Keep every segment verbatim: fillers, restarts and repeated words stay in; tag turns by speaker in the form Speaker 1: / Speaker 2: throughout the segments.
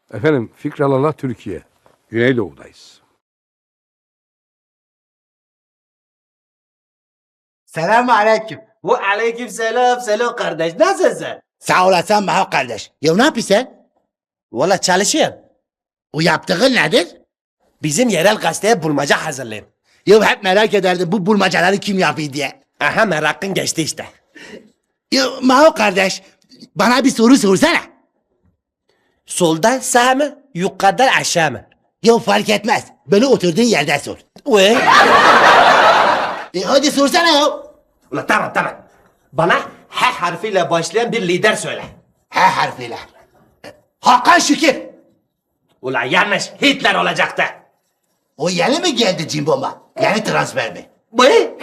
Speaker 1: Efendim Fikralala Türkiye. Güneydoğu'dayız.
Speaker 2: Selamun aleyküm.
Speaker 3: Ve aleyküm selam selam kardeş. Nasılsın?
Speaker 2: Sağ olasın Maho kardeş. Ya ne yapıyorsun sen?
Speaker 3: Valla çalışıyorum.
Speaker 2: O yaptığın nedir?
Speaker 3: Bizim yerel gazeteye bulmaca hazırlayayım.
Speaker 2: Ya hep merak ederdim bu bulmacaları kim yapıyor diye.
Speaker 3: Aha merakın geçti işte.
Speaker 2: Ya Maho kardeş bana bir soru sorsana.
Speaker 3: Soldan sağ mı? Yukarıdan aşağı mı?
Speaker 2: Ya fark etmez. Böyle oturduğun yerde sor.
Speaker 3: Ve?
Speaker 2: E hadi sorsana ya.
Speaker 3: Ula tamam tamam. Bana H harfiyle başlayan bir lider söyle.
Speaker 2: H harfiyle. E, Hakan Şükür.
Speaker 3: Ula yanlış. Hitler olacaktı.
Speaker 2: O yeni mi geldi Cimbom'a? Yeni transfer mi?
Speaker 3: Ve?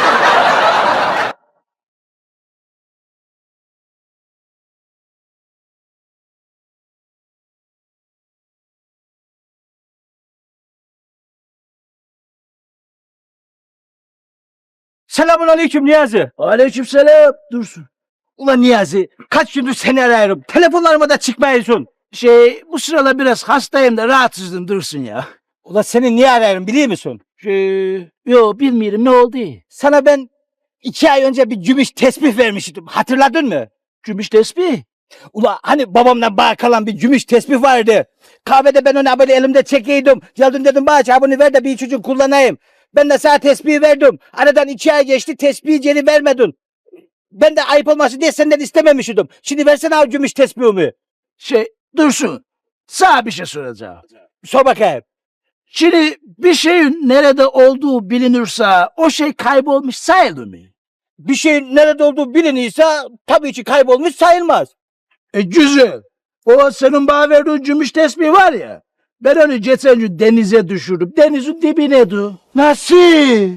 Speaker 4: Selamun aleyküm Niyazi. Aleyküm selam. Dursun. Ulan Niyazi kaç gündür seni arıyorum. Telefonlarıma da çıkmıyorsun. Şey bu sıralar biraz hastayım da rahatsızdım Dursun ya. Ulan seni niye arıyorum biliyor musun? Şey, yo bilmiyorum ne oldu? Sana ben iki ay önce bir gümüş tesbih vermiştim. Hatırladın mı? Gümüş tesbih? Ula hani babamdan bağ kalan bir gümüş tesbih vardı. Kahvede ben onu böyle elimde çekiyordum. Geldim dedim bana bunu ver de bir çocuk kullanayım. Ben de sana tesbihi verdim. Aradan iki ay geçti tesbihi geri vermedin. Ben de ayıp olmasın diye senden istememiştim. Şimdi versene abi gümüş tesbihimi. Şey Dursun sana bir şey soracağım. Sor bakayım. Şimdi bir şeyin nerede olduğu bilinirse o şey kaybolmuş sayılır mı? Bir şeyin nerede olduğu bilinirse tabii ki kaybolmuş sayılmaz. E güzel. O senin bana verdiğin gümüş tesbih var ya. Ben onu geçen gün denize düşürdüm. Denizin dibine du. Nasıl?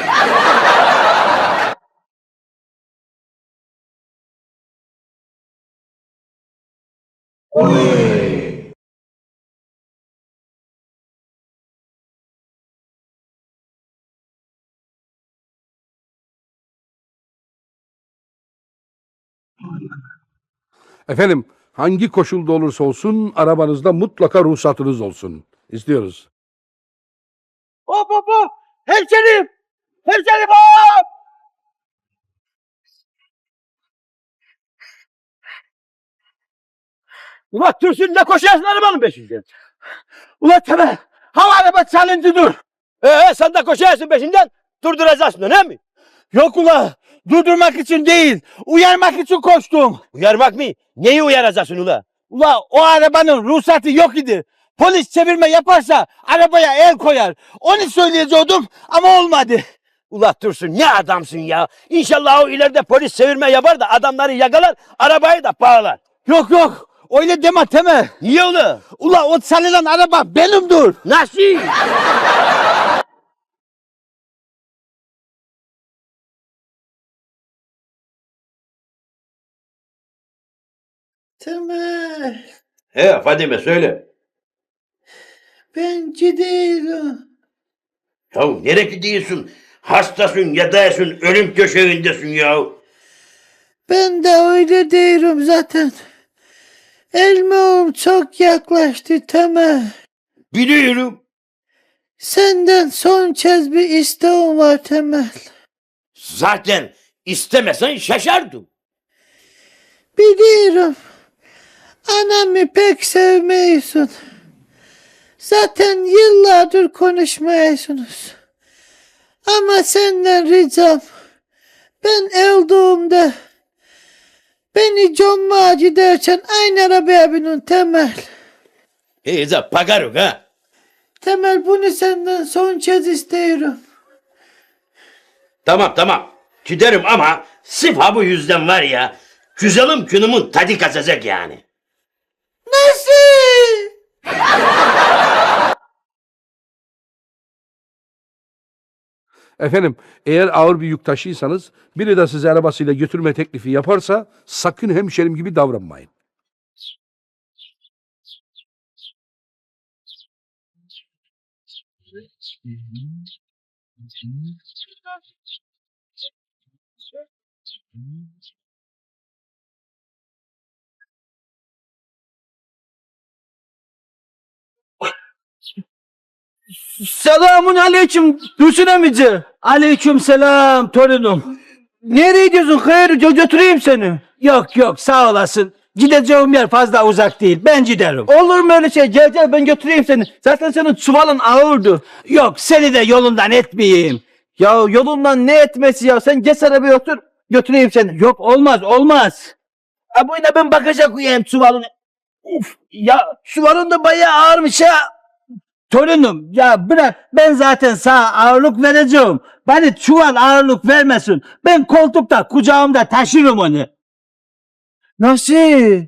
Speaker 1: Efendim hangi koşulda olursa olsun arabanızda mutlaka ruhsatınız olsun. İstiyoruz.
Speaker 4: Hop hop hop! Hemşerim! Hemşerim hop! Ulan Türsün ne koşuyorsun arabanın peşinden? Ulan Temel! Hava araba çalındı dur! Ee sen de koşuyorsun peşinden durduracaksın değil mi? Yok ula durdurmak için değil uyarmak için koştum. Uyarmak mı? Neyi uyaracaksın ula? Ula o arabanın ruhsatı yok idi. Polis çevirme yaparsa arabaya el koyar. Onu söyleyecektim ama olmadı. Ula Dursun ne adamsın ya. İnşallah o ileride polis çevirme yapar da adamları yakalar arabayı da bağlar. Yok yok öyle deme Temel. Niye ula? Ula o çalınan araba benimdir. Nasıl?
Speaker 2: Tamam.
Speaker 5: He Fadime söyle.
Speaker 2: Ben gidiyorum.
Speaker 5: Ya nereye gidiyorsun? Hastasın, yataysın, ölüm döşeğindesin ya.
Speaker 6: Ben de öyle diyorum zaten. Elmağım çok yaklaştı Temel.
Speaker 5: Biliyorum.
Speaker 6: Senden son kez bir isteğim var Temel.
Speaker 5: Zaten istemesen şaşardım.
Speaker 6: Biliyorum. Anamı pek sevmiyorsun. Zaten yıllardır konuşmuyorsunuz. Ama senden ricam. Ben öldüğümde beni gömmeye giderken aynı arabaya binin Temel.
Speaker 5: Heyza pagaruk ha.
Speaker 6: Temel bunu senden son kez istiyorum.
Speaker 5: Tamam tamam. Giderim ama sırf ha bu yüzden var ya. Güzelim günümün tadı kaçacak yani.
Speaker 6: Nasıl?
Speaker 1: Efendim eğer ağır bir yük taşıysanız biri de sizi arabasıyla götürme teklifi yaparsa sakın hemşerim gibi davranmayın.
Speaker 4: Selamun aleyküm Dursun emici. Aleyküm selam torunum. Nereye gidiyorsun hayır gö- götüreyim seni. Yok yok sağ olasın. Gideceğim yer fazla uzak değil. Ben giderim. Olur mu öyle şey? Gel gel ben götüreyim seni. Zaten senin çuvalın ağırdı. Yok seni de yolundan etmeyeyim. Ya yolundan ne etmesi ya? Sen geç arabaya otur. Götüreyim seni. Yok olmaz olmaz. Ha bu yine ben bagaja koyayım çuvalını. Uf ya çuvalın da bayağı ağırmış ha. Torunum ya bırak ben zaten sana ağırlık vereceğim. Bana çuval ağırlık vermesin. Ben koltukta kucağımda taşırım onu. Nasıl?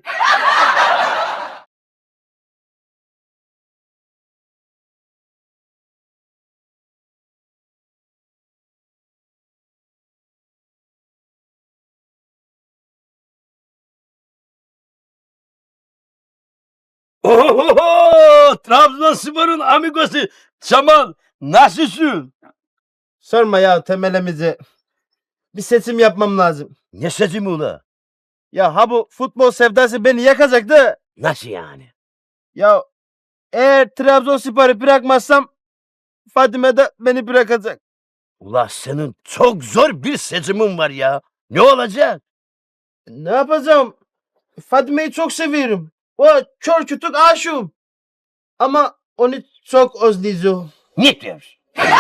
Speaker 5: Oho! Trabzonspor'un amigosu Çamal nasılsın?
Speaker 7: Sorma ya temelimizi. Bir seçim yapmam lazım.
Speaker 5: Ne seçimi ula?
Speaker 7: Ya ha bu futbol sevdası beni yakacaktı.
Speaker 5: Nasıl yani?
Speaker 7: Ya eğer Trabzonspor'u bırakmazsam Fadime de beni bırakacak.
Speaker 5: Ula senin çok zor bir seçimin var ya. Ne olacak?
Speaker 7: Ne yapacağım? Fadime'yi çok seviyorum. O kör kütük aşığım. Ama onu çok özleyeceğim.
Speaker 5: Ne diyorsun?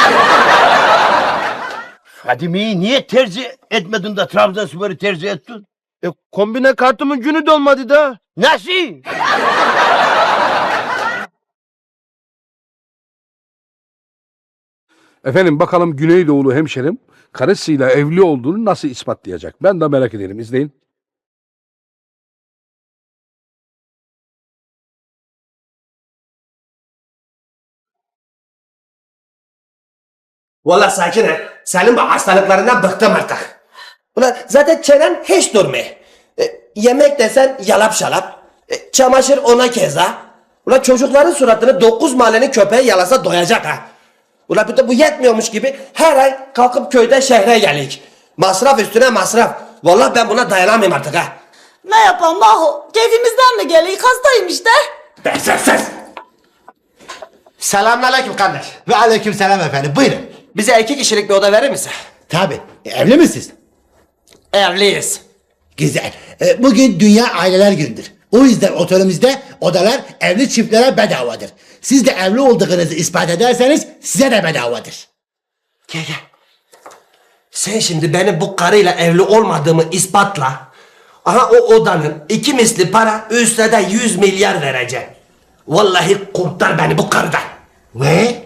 Speaker 5: Fadime'yi niye tercih etmedin de Trabzonspor'u tercih ettin?
Speaker 7: E, kombine kartımın günü dolmadı da.
Speaker 5: Nasıl?
Speaker 1: Efendim bakalım Güneydoğulu hemşerim karısıyla evli olduğunu nasıl ispatlayacak? Ben de merak ederim. İzleyin.
Speaker 3: Valla Sakine, senin bu hastalıklarından bıktım artık. Ulan zaten çenen hiç durmuyor. E, yemek desen yalap şalap. E, çamaşır ona keza. Ulan çocukların suratını dokuz mahallenin köpeği yalasa doyacak ha. Ulan bir de bu yetmiyormuş gibi her ay kalkıp köyden şehre gelik. Masraf üstüne masraf. Vallahi ben buna dayanamayayım artık ha.
Speaker 8: Ne yapalım Maho? Keyfimizden mi geliyor? Hastayım işte.
Speaker 3: Be ses ses. Selamünaleyküm kardeş.
Speaker 2: Ve aleyküm selam efendim. Buyurun.
Speaker 3: Bize iki kişilik bir oda verir misin?
Speaker 2: Tabii. E, evli misiniz?
Speaker 3: Evliyiz.
Speaker 2: Güzel. E, bugün Dünya Aileler Günü'dür. O yüzden otelimizde odalar evli çiftlere bedavadır. Siz de evli olduğunuzu ispat ederseniz size de bedavadır.
Speaker 3: Gel gel. Sen şimdi benim bu karıyla evli olmadığımı ispatla. Aha o odanın iki misli para üstüne de yüz milyar vereceğim. Vallahi kurtar beni bu karıdan.
Speaker 2: Ve